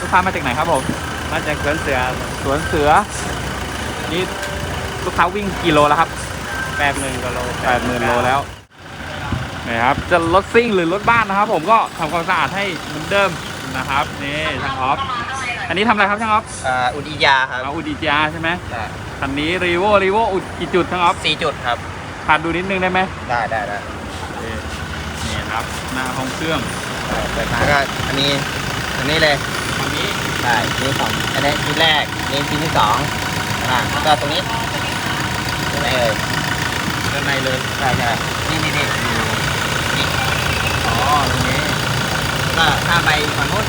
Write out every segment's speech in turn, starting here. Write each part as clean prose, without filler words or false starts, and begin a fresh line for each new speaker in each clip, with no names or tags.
กค้ามาจากไหนครับผม
มาจากสวนเสือ
นี่ลูกค้าวิ่งกี่โลแล้วครับ
80,000 กว่าโล
80,000 โลแล้วนี่ครับจะรถซิ่งหรือรถบ้านนะครับผมก็ทำความสะอาดให้เหมือนเดิมนะครับนี่ช่างออฟอันนี้ทำอะไรครับช่างออฟ
อุดิยาครับ
อุดิยาใช่ไหม
ใช่
คันนี้รีโวอุดกี่จุดช่างออฟ
4 จุดครับ
พาดูนิดนึงได้ไหม
ได้
นี่ครับหน้าห้องเครื่อง
เปิดมาก็อันนี้เลย
อันนี้
ใช่นี่สองอันนี้ชิ้นแรกนี่ชิ้นที่2แล้วก็ตรงนี้ตรงไหนเอ่ย
ด้านในเลย
ใช่นี่
อ๋อตรงนี้
ก็ข้ามไปฝั่งนู้น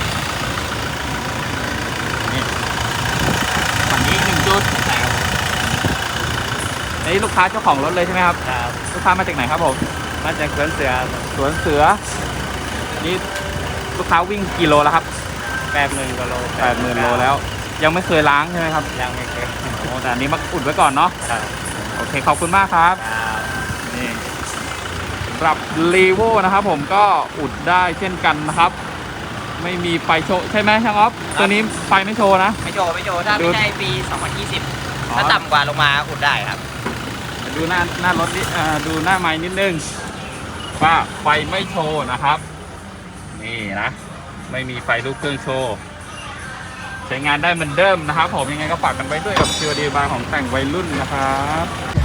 นี่ฝั่งนี้1 จุด
ใช่ครับ
นี่ลูกค้าเจ้าของรถเลยใช่ไหมครับ
ครับ
ลูกค้ามาจากไหนครับผม
มาจากสวนเสือ
นี่ลูกค้าวิ่งกี่โลแล้วครับ
80,000 กว่าโล
80,000 โลแล้วยังไม่เคยล้างใช่ไหมครับ
ยังไม่เคย
โอ้แต่อันนี้มาอุดไว้ก่อนเนาะ
ครับ
โอเคขอบคุณมากครับนี่สำหรับรีโวนะครับผมก็อุดได้เช่นกันนะครับไม่มีไฟโชว์ใช่ไหมช่างออฟตัวนี้ไฟไม่โชว์นะ
ไม่โชว์ถ้าไม่ใช่ปี2020ถ้าต่ำกว่าลงมาอุดได้ครับ
ดูหน้ารถนิดดูหน้าไม้นิดนึงว่าไฟไม่โชว์นะครับนี่นะไม่มีไฟลูกเครื่องโชว์ใช้งานได้เหมือนเดิมนะครับผมยังไงก็ฝากกันไว้ด้วยกับ COD บาร์ของแต่งวัยรุ่นนะครับ